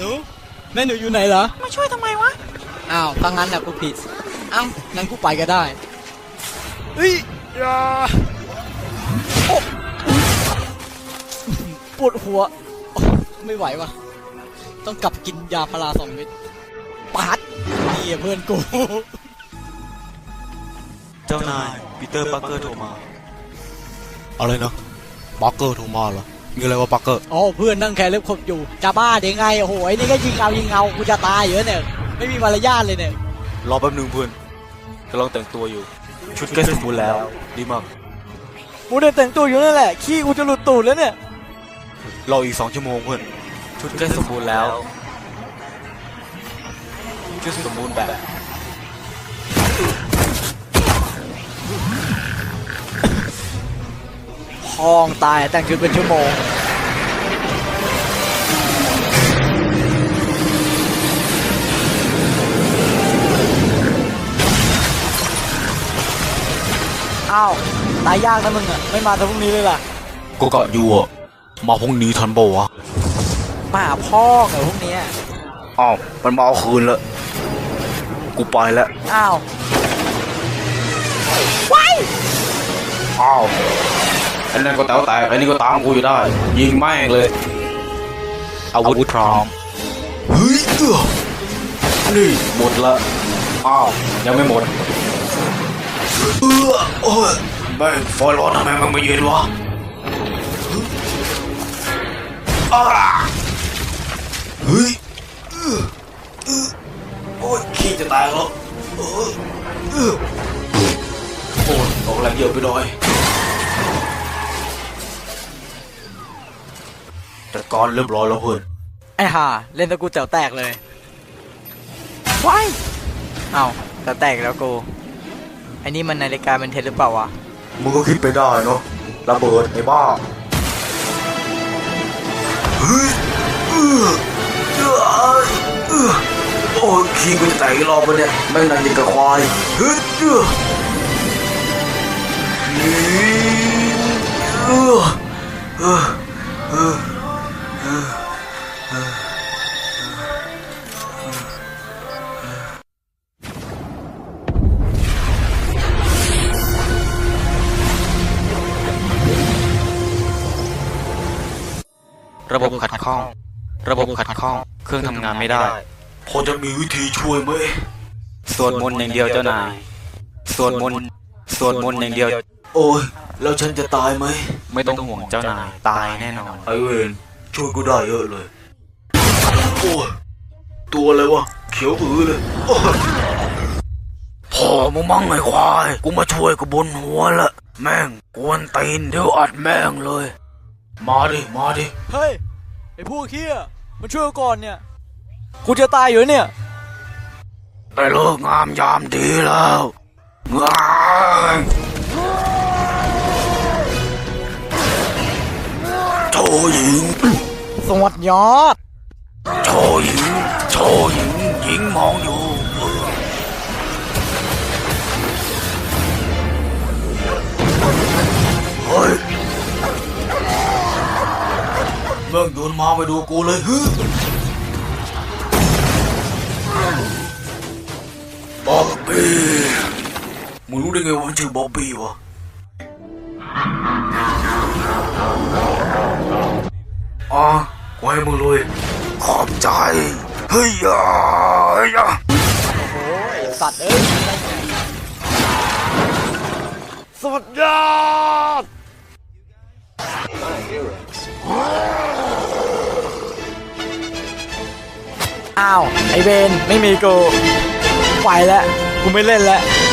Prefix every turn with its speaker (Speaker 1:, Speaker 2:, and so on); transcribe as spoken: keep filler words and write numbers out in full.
Speaker 1: นูแม่หนูอยู่ไหนเหรอ
Speaker 2: มาช่วยทำไมวะ
Speaker 1: อ้าวถ้างั้นน่ะกูผิดอ้าวงั้นกูไปก็ได้เฮ้ยอย่าโอ้ปวดหัวไม่ไหววะต้องกลับกินยาพาราสองเม็ดปาดนี่เพื่อนกู
Speaker 3: เจ้านายปีเตอร์ปาร์เกอร์โทรมา
Speaker 4: อะไรนะปาร์เกอร์โทรมาเหรอมีอะไรวะปาร์เกอร์
Speaker 1: อ๋อเพื่อนนั่งแคร์เล็บขบอยู่จะบ้าได้ไงโอ้โหไอ้นี่ก็ยิงเอายิงเอากูจะตายอยู่เนี่ยไม่มีมารยาทเลยเนี่ย
Speaker 3: รอแป๊บนึงเพื่อนกำลังแต่งตัวอยู่ชุดใกล้สมบูรณ์แล้วดีมาก
Speaker 1: กูได้แต่งตัวอยู่นั่นแหละขี้กูจะหลุดตูดแล้วเนี่ย
Speaker 3: รออีกสองชั่วโมงเพื่อนชุดใกล้สมบูรณ์แล้วชุดสมบูรณ์แบบ
Speaker 1: พองตายแต่งชุดเป็นชั่วโมงอ้าวตายยากนะมึงอ่ะไม่มาแต่พรุ่งนี้เลยล่ะ
Speaker 4: ก็กะอยู่อ่ะมาพรุ่งนี้ทันบ่วะ
Speaker 1: มาพ่อเหรอพรุ่งนี้
Speaker 4: อ้าวมันมาเอาคืนแล้วกูไปแล้ว
Speaker 1: อ้าวว้าย
Speaker 4: อ้าวไอ้นั่นก็แต๋วแตกไอ้นี่ก็ตามกูอยู่ได้ยิงแม่งเลยอาวุธพร้อมเฮ้ยเออนี่หมดละอ้าวยังไม่หมดเออโอ้ยแม่งไฟร้อนทำไมมันไม่เย็นวะอ้าเฮ้ยโอ้ยขี้จะตายแล้วโอ้ยโอ้ยออกแรงเยอะไปหน่อยแต่ก่อนเรียบร้อยแล้วเพื่อน
Speaker 1: ไอ้ห่าเล่นตะกูแต๋วแตกเลยว้ายอ้าวแต๋วแตกแล้วกูไอ้นี่มันนาฬิกาเป็นเท็จหรือเปล่าวะ
Speaker 4: มึงก็คิดไปได้เนาะระเบิดไอ้บ้าเฮ้ยเออเออเออโอ้ยขี้กูจะแตกอีกรอบแล้วเนี่ยแม่งนั่งยิงกับควายเฮ้ยเออเออเออเออ
Speaker 3: ระบบขัดข้องระบบขัดข้องเครื่องทำงานไม่ได้
Speaker 4: พอจะมีวิธีช่วยไหม
Speaker 3: สวดมนต์อย่างเดียวเจ้านายสวดมนต์สวดมนต์อย่างเดียว
Speaker 4: โอ้ยแล้วฉันจะตายไหม
Speaker 3: ไม่ต้องห่วงเจ้านายตายแน่นอน
Speaker 4: ไอเวนช่วยกูได้เยอะเลยโอ้ยตัวอะไรวะเขียวอือเลยพอมึงมั่งไอ้ควายกูมาช่วยกูบนหัวละแม่งกวนตีนเดี๋ยวอัดแม่งเลยมาดิมาดิ
Speaker 1: เฮ้ยไอ้พวกเหี้ยมาช่วยก่อนเนี่ยกูจะตายอยู่เนี่ย
Speaker 4: ได้เลิกงามยามดีแล้วงานโชว์หญิง
Speaker 1: สวัสดียอด
Speaker 4: โชว์หญิงโชว์หญิงหญิงมองอยู่เฮ้ยเมื่อโดนมาไปดูกูเลยฮึบ๊อบบี้มึงรู้ได้ไงว่ามันชื่อบ๊อบบี้วะอ๋อกูให้มึงเลยขอบใจเฮ้ยอ่ะเฮ้ยอ่ะ
Speaker 1: โอ้ยสัตว์เอ้ยสุดยอดอ้าวไอเบนไม่มีกูไปแล้วกูไม่เล่นแล้ว